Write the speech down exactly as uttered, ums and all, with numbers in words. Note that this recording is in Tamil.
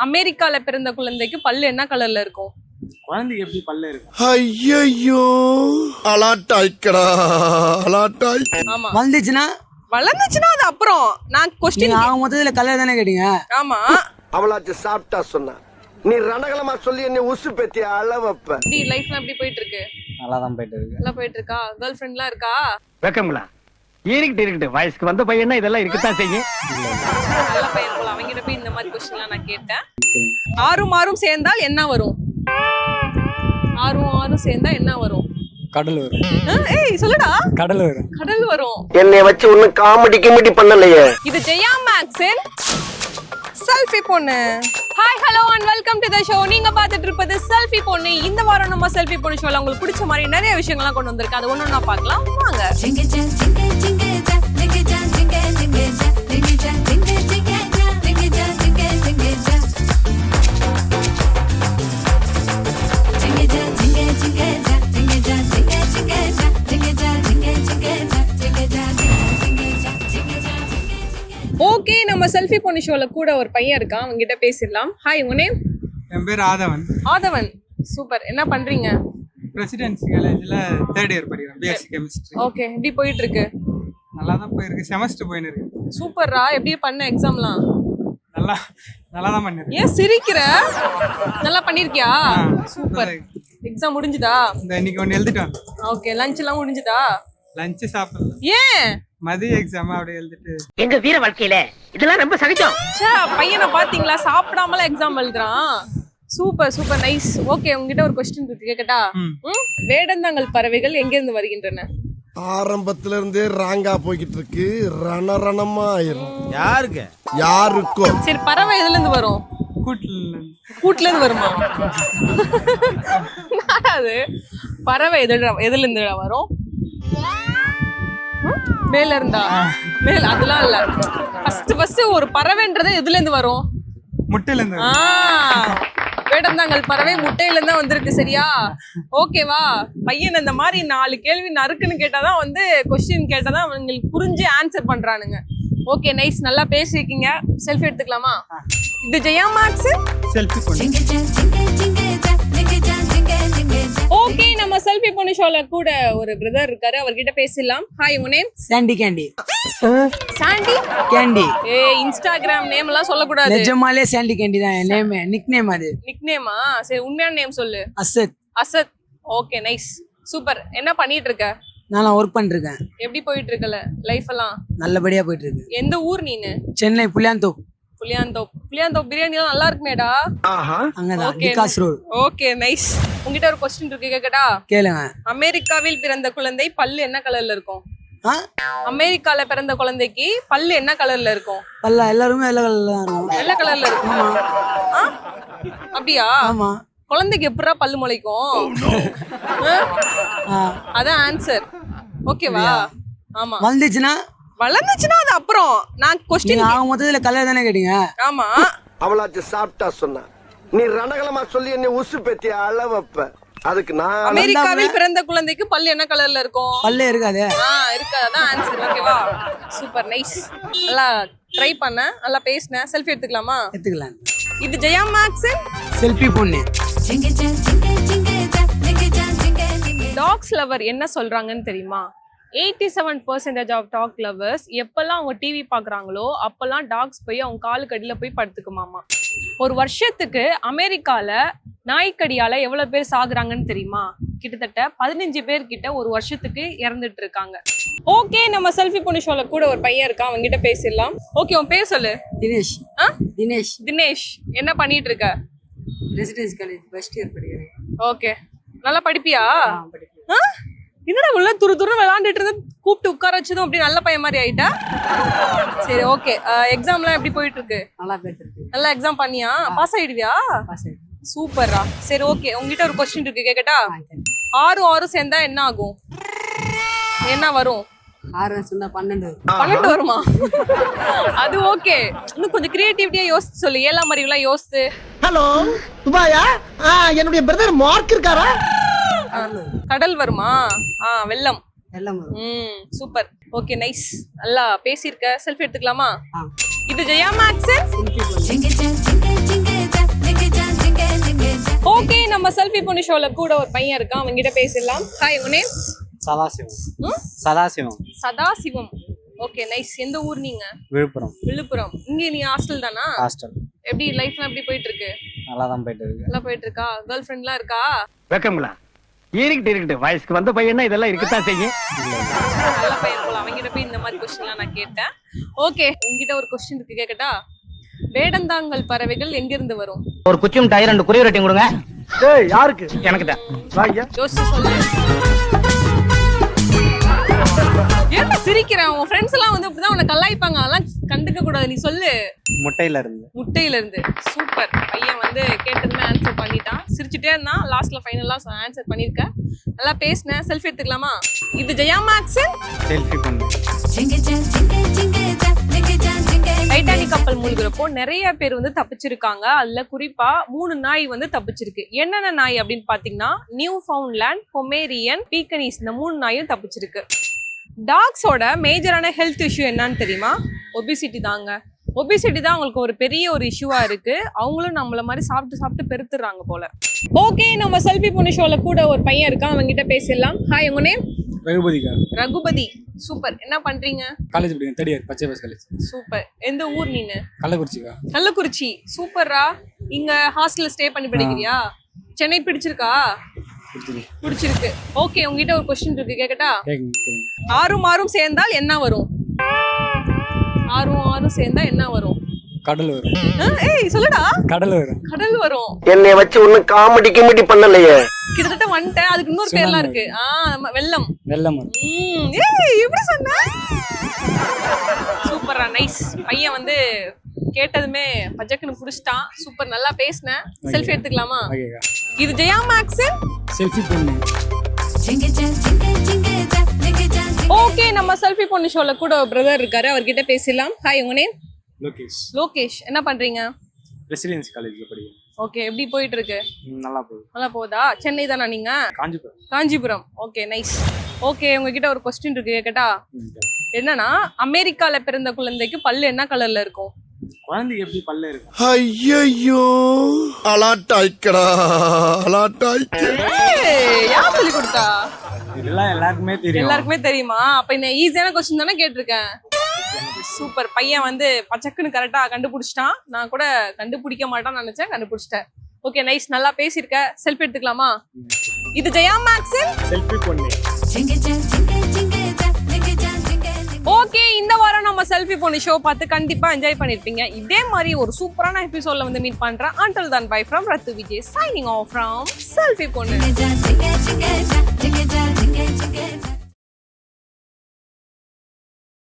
அமெரிக்கால பிறந்த குழந்தைக்கு பல்லு என்ன கலர்ல இருக்கும்? குழந்தைக்கு எப்படி பல்லு இருக்கும்? ஐயோ அலாட்டாய்க்கடா அலாட்டாய். ஆமா வந்துச்சுன்னா வளர்ந்துச்சுன்னா அது அப்புறம். நான் கொஸ்டின் ஆக மொத்தத்துல கலர் தானே கேட்டீங்க. ஆமா அவளாச்சு சாப்பிட்டா சொன்னா நீ ரணகலமா சொல்லி என்ன உசு பெத்தி அளவப்ப. எப்படி லைஃப்லாம் எப்படி போயிட்டு இருக்கு? நல்லா தான் போயிட்டு இருக்கு. நல்லா போயிட்டு இருக்கா? கேர்ள் ஃப்ரெண்ட்லாம் இருக்கா? வெக்கங்களா இருக்கட்டு இருக்கட்டு வயசுக்கு வந்த பையனா இதெல்லாம் இருக்கத்தான் செய்யும். நல்ல பையன் போல. அவங்கிட்ட போய் இந்த மாதிரி கொஸ்டின்லாம் நான் கேட்டேன். ஆறும் ஆறும் சேர்ந்தால் என்ன வரும்? ஆறும் ஆறும் சேர்ந்தா என்ன வரும்? கடல் வரும். ஆ, ஏய் சொல்லுடா. கடல் வரும். கடல் வரும். என்னைய வச்சு ஒன்னும் காமெடி கிமெடி பண்ணலையே. இது ஜெயா மேக்ஸின் செல்ஃபி பொண்ணு. Hi hello and welcome to the show. நீங்க பார்த்துட்டு இருப்பது செல்ஃபி பொண்ணு. இந்த வாரம் நம்ம செல்ஃபி பொண்ணு ஷோல உங்களுக்கு பிடிச்ச மாதிரி நிறைய விஷயங்கள்லாம் கொண்டு வந்திருக்கு. அது ஒண்ணு ஒண்ணா பார்க்கலாம் வாங்க. ஓகே, நம்ம செல்ஃபி பொண்ணு ஷோல கூட ஒரு பையன் இருக்கான். அவங்க கிட்ட பேசிடலாம். ஹாய், உங்க நேம்? என் பேர் ஆதவன். ஆதவன், சூப்பர். என்ன பண்றீங்க? பிரசிடென்சி காலேஜில் தேர்ட் இயர் படிக்கிறேன், பிஎஸ்சி கெமிஸ்ட்ரி. ஓகே, எப்படி போயிட்டு இருக்கு? நல்லா தான் போயிருக்கு, செமஸ்டர் போயின்னு இருக்கு. சூப்பர்ரா. எப்படி பண்ண எக்ஸாம்லாம்? நல்லா நல்லா தான் பண்ணிருக்கேன். ஏன் சிரிக்கிற? நல்லா பண்ணிருக்கியா? சூப்பர். எக்ஸாம் முடிஞ்சுதா? இந்த இன்னைக்கு ஒன்று எழுதிட்டு வந்தேன். ஓகே, லஞ்ச் எல்லாம் முடிஞ்சுதா? லஞ்சு சாப்பிடல, ஏன்? மதிய எக்ஸாம் அப்படியே எழுதிட்டு. எங்க வீர வாழ்க்கையில இதெல்லாம் ரொம்ப சகஜம். ச்சே, பையனை பாத்தீங்களா? சாப்பிடாமல எக்ஸாம் எழுதுறான். Super super nice. ஓகே, உங்ககிட்ட ஒரு கொஸ்டின் இருக்கு, கேக்கட்டா? ம், வேடந்தாங்கல் பறவைகள் எங்க இருந்து வருகின்றன? ஆரம்பத்துல இருந்தே ராங்கா போய்கிட்டு இருக்கு. ரணரணமா ஆயிரும். யாருக்கு? யாருக்கும். சரி, பறவை எதுல இருந்து வரும்? கூட்டில் கூட்டுல இருந்து வருமா? அது பறவை எதுல எதுல இருந்து வரும்? மேல இருந்தா? மேல அதெல்லாம் இல்ல. ஃபர்ஸ்ட் ஃபர்ஸ்ட் ஒரு பறவைன்றது எதுல இருந்து வரும்? முட்டையில இருந்து. ஆ, வேடந்தாங்கல் பறவை முட்டையில இருந்தா வந்திருக்கு. சரியா? ஓகேவா? பையன் இந்த மாதிரி நாலு கேள்வி நறுக்குன்னு கேட்டாதான் வந்து கொஸ்டின் கேட்டாதான் உங்களுக்கு புரிஞ்சு ஆன்சர் பண்றானுங்க. ஓகே நைஸ், நல்லா பேசிருக்கீங்க. செல்ஃபி எடுத்துக்கலாமா? இது ஜெயா மேக்ஸ் செல்ஃபி பண்ணி. ஓகே, நம்ம செல்ஃபி பொண்ணு ஷோல கூட ஒரு பிரதர் இருக்காரு. அவர்கிட்ட பேசலாம். ஹாய், உங்க name? Sandy Candy. Sandy Candy. ஏ, இன்ஸ்டாகிராம் நேம் எல்லாம் சொல்லக்கூடாது. நிஜமாலே சாண்டி கேண்டி தான் என் நேம். நிக் நேம் அது. நிக் நேமா? சரி, உண்மையான நேம் சொல்லு. Asad. Asad. Okay nice, super. என்ன பண்ணிட்டு இருக்க? நான் ஒர்க் பண்ணிருக்கேன். எப்படி போயிட்டு இருக்கல லைஃப் எல்லாம்? நல்லபடியா போயிட்டு இருக்கு. எந்த ஊர் நீனு? சென்னை புளியாந்தோப். புளியாந்தோப். புளியாந்தோப் பிரியாணி எல்லாம் நல்லா இருக்குமேடா. அங்கதான் விகாஸ் ரோட். Okay nice. உங்ககிட்ட ஒரு கொஸ்டின் இருக்கு, கேக்கட்டா? கேளுங்க. அமெரிக்காவில் பிறந்த குழந்தை பல்லு என்ன கலர்ல இருக்கும்? ஆ? அமெரிக்கால பிறந்த குழந்தைக்கு பல்லு என்ன கலர்ல இருக்கும்? பல்ல எல்லாருமே வெள்ளை கலர்ல தான் இருக்கும். வெள்ளை கலர்ல இருக்கும். ஆ? அப்படியா? ஆமா. குழந்தைக்கு எப்படா பல்லு முளைக்கும்? ஆ. அதான் ஆன்சர். ஓகேவா? ஆமா. வந்துச்சுன்னா வளர்ந்துச்சுன்னா அது அப்புறம். நான் கொஸ்டின் ஆக மொத்தத்துல கலர் தானே கேட்டீங்க. ஆமா. அவளாச்சு சாப்பிட்டா சொன்னா நீ ரணகலமா சொல்லி என்ன உசு பெத்தி அளவப்ப. அதுக்கு நான் அமெரிக்காவில் பிறந்த குழந்தைக்கு பல்லு என்ன கலர்ல இருக்கும்? பல்லே இருக்காது. ஆ, இருக்காது. அதான் ஆன்சர். ஓகேவா? Super nice. நல்லா ட்ரை பண்ண, நல்லா பேசின. செல்ஃபி எடுத்துக்கலாமா? எடுத்துக்கலாம். இது ஜெயா மேக்ஸ் செல்ஃபி பொண்ணு. டாக்ஸ் லவர் என்ன சொல்றாங்கன்னு தெரியுமா? Eighty seven percentage of dog lovers எப்பெல்லாம் அவங்க டிவி பார்க்குறாங்களோ அப்பெல்லாம் டாக்ஸ் போய் அவங்க காலுக்கு அடியில் போய் படுத்துக்குமாமா. ஒரு வருஷத்துக்கு அமெரிக்கால நாய்க்கடியால எவ்வளவு பேர் சாகுறாங்கன்னு தெரியுமா? கிட்டத்தட்ட பதினஞ்சு பேர் கிட்ட ஒரு வருஷத்துக்கு இறந்துட்டு இருக்காங்க. ஓகே, நம்ம செல்ஃபி பொண்ணு ஷோல கூட ஒரு பையன் இருக்கான். அவங்க கிட்ட பேசிடலாம். ஓகே, உன் பேர் சொல்லு. தினேஷ். ஆ? தினேஷ். தினேஷ், என்ன பண்ணிட்டு இருக்க? ரெசிடென்சி காலேஜ் ஃபர்ஸ்ட் இயர் படிக்கிறேன். ஓகே, நல்லா படிப்பியா? ஆ? என்னடா உள்ள துரு துரு விளையாண்டுட்டு இருந்து கூப்பிட்டு உட்கார வச்சதும் அப்படி நல்ல பையன் மாதிரி ஆயிட்டா? சரி, ஓகே. எக்ஸாம்லாம் எப்படி போயிட்டு இருக்கு? நல்லா போயிட்டு இருக்கு. நல்லா எக்ஸாம் பண்ணியா? பாஸ் ஆயிடுவியா? பாஸ் ஆயிடுவேன். சூப்பர்ரா. சரி, ஓகே. உங்ககிட்ட ஒரு கொஸ்டின் இருக்கு, கேக்கட்டா? ஆறு ஆறு சேர்ந்தா என்ன ஆகும்? என்ன வரும்? ஆறு சேர்ந்தா பன்னெண்டு. பன்னெண்டு வருமா? அது ஓகே. இன்னும் கொஞ்சம் கிரியேட்டிவிட்டியா யோசிச்சு சொல்லு. ஏழாம் அறிவுலாம் யோசிச்சு. ஹலோ துபாயா? என்னுடைய பிரதர் மார்க் இருக்காரா? கடல் வருமா? ஆ, வெள்ளம். வெள்ளம் வரும். ம், சூப்பர். ஓகே நைஸ், நல்லா பேசியிருக்க. செல்ஃபி எடுத்துக்கலாமா? ஆ. இது ஜெயா மேக்ஸ் செல்ஃபி பொண்ணு. செல்ஃபி பொண்ணு ஷோல கூட ஒரு பையன் இருக்கான், அவங்க கிட்ட பேசிடலாம். ஹாய், உங்க நேம்? சதாசிவம். ம்? சதாசிவம். சதாசிவம். Okay, nice. எந்த ஊர் நீங்க? விழுப்புரம். விழுப்புரம். இங்க நீ ஹாஸ்டல் தானா? ஹாஸ்டல். எப்படி லைஃப்லாம் எப்படி போயிட்டு இருக்கு? நல்லா தான் போயிட்டு இருக்கு. நல்லா போயிட்டு இருக்கா? கேர்ள் ஃப்ரெண்ட்லாம் இருக்கா? வெக்கங்களா இருக்கட்டு இருக்கட்டு வயசுக்கு வந்த பையனா இதெல்லாம் இருக்கத்தான் செய்யும். நல்ல பையன் போல. அவங்க கிட்ட போய் இந்த மாதிரி கொஸ்டின்லாம் நான் கேட்டேன். ஓகே, உங்ககிட்ட ஒரு கொஸ்டின் இருக்கு, கேக்கட்டா? வேடந்தாங்கல் பறவைகள் எங்க இருந்து வரும்? ஒரு குச்சி மிட்டாய் ரெண்டு குருவி ரொட்டி கொடுங்க. ஏய் யாருக்கு? எனக்கு தான். யோசிச்சு சொல்லு. ஏன்டா சிரிக்கிறேன்? உன் ஃப்ரெண்ட்ஸ் எல்லாம் வந்து இப்படிதான் உன்னை கலாய்ப்பாங்க, அதெல்லாம் கண்டுக்க கூடாது. நீ சொல்லு. முட்டையில இருந்து. முட்டையில இருந்து. சூப்பர். பையன் வந்து கேட்டதுமே ஆன்சர் பண்ணிட்டான். சிரிச்சுட்டே இருந்தான். லாஸ்ட்ல ஃபைனலா ஆன்சர் பண்ணிருக்க. நல்லா பேசினேன். செல்ஃபி எடுத்துக்கலாமா? இது ஜெயா மேக்ஸன் செல்ஃபி பொண்ணு. டைட்டானிக் கப்பல் மூழ்கிறப்போ நிறைய பேர் வந்து தப்பிச்சிருக்காங்க. அதுல குறிப்பா மூணு நாய் வந்து தப்பிச்சிருக்கு. என்னென்ன நாய் அப்படின்னு பாத்தீங்கன்னா நியூ ஃபவுண்ட்லேண்ட், பொமேரியன், பீக்கனீஸ், இந்த மூணு நாயும் தப்பிச்சிருக்கு. டாக்ஸோட மேஜரான ஹெல்த் இஷ்யூ என்னன்னு தெரியுமா? ஒபிசிட்டி தாங்க. ஒபிசிட்டி தான் அவங்களுக்கு ஒரு பெரிய ஒரு இஷ்யூவா இருக்கு. அவங்களும் நம்மள மாதிரி சாப்பிட்டு சாப்பிட்டு பெருத்துறாங்க போல. ஓகே, நம்ம செல்ஃபி பொண்ணு ஷோல கூட ஒரு பையன் இருக்கான், அவங்க கிட்ட பேசிடலாம். ஹாய், உங்க நேம்? ரகுபதிக்கா. ரகுபதி. சூப்பர். என்ன பண்றீங்க? காலேஜ் படிக்கிறேன். தேர்ட் இயர் பச்சை பஸ் காலேஜ். சூப்பர். எந்த ஊர் நீனு? கள்ளக்குறிச்சிக்கா. கள்ளக்குறிச்சி. சூப்பரா. இங்க ஹாஸ்டல்ல ஸ்டே பண்ணி படிக்கிறியா? சென்னை பிடிச்சிருக்கா? பிடிச்சிருக்கு. ஓகே, உங்ககிட்ட ஒரு கொஸ்டின் இருக்கு, கேக்கட்டா? ஆறும் ஆறும் சேர்ந்தால் என்ன வரும்? ஆறும் ஆறும் சேர்ந்தா என்ன வரும்? கடல் வரும். ஆ, ஏய் சொல்லுடா. கடல் வரும். கடல் வரும். என்னைய வச்சு ஒன்னும் காமெடி கிமெடி பண்ணலையே. கிட்டத்தட்ட வந்துட்டேன். அதுக்கு இன்னொரு பேர்லாம் இருக்கு. ஆ, வெள்ளம். வெள்ளம் வரும். ம், ஏய் எப்படி சொன்ன? சூப்பரா, நைஸ். பையன் வந்து கேட்டதுமே பஜக்குன்னு புடிச்சிட்டான். சூப்பர், நல்லா பேசினேன். செல்ஃபி எடுத்துக்கலாமா? ஓகேக்கா. இது ஜெயா மேக்ஸன் செல்ஃபி பொண்ணு. ஓகே, நம்ம செல்ஃபி பொண்ணு ஷோல கூட ஒரு பிரதர் இருக்காரு, அவர்கிட்ட பேசலாம். ஹாய், உங்க நேம்? லோகேஷ். லோகேஷ். என்ன பண்றீங்க? ரெசிடென்சி காலேஜ்ல படிக்கிறேன். ஓகே, எப்படி போயிட்டு இருக்கு? நல்லா போகுது. நல்லா போகுதா? சென்னை தானா நீங்க? Kanchipuram. Kanchipuram. Okay, nice. Okay, உங்ககிட்ட ஒரு கொஸ்டின் இருக்கு, கேக்கட்டா? என்னன்னா, அமெரிக்கால பிறந்த குழந்தைக்கு பல்லு என்ன கலர்ல இருக்கும்? குழந்தைக்கு எப்படி பல்ல இருக்கும்? ஐயோ அலாட்டாய்க்கடா அலாட்டாய்க்க. ஏய், யார் சொல்லி கொடுத்தா? இதெல்லாம் எல்லாருக்குமே தெரியும். எல்லாருக்குமே தெரியுமா? அப்ப இந்த ஈஸியான கொஸ்டின் தானே கேட்டிருக்கேன். சூப்பர். பையன் வந்து பச்சக்குன்னு கரெக்டா கண்டுபிடிச்சிட்டான். நான் கூட கண்டுபிடிக்க மாட்டான்னு நினைச்சேன், கண்டுபிடிச்சிட்டேன். Okay, nice. நல்லா பேசியிருக்க. செல்ஃபி எடுத்துக்கலாமா? இது ஜெயா மேக்ஸன் செல்ஃபி பொண்ணு. ஓகே, இந்த வாரம் நம்ம செல்ஃபி பொண்ணு ஷோ பார்த்து கண்டிப்பா என்ஜாய் பண்ணிருப்பீங்க. இதே மாதிரி ஒரு சூப்பரான எபிசோட்ல வந்து மீட் பண்றேன். Until then, bye from Rathu Vijay, signing off from selfie பொண்ணு.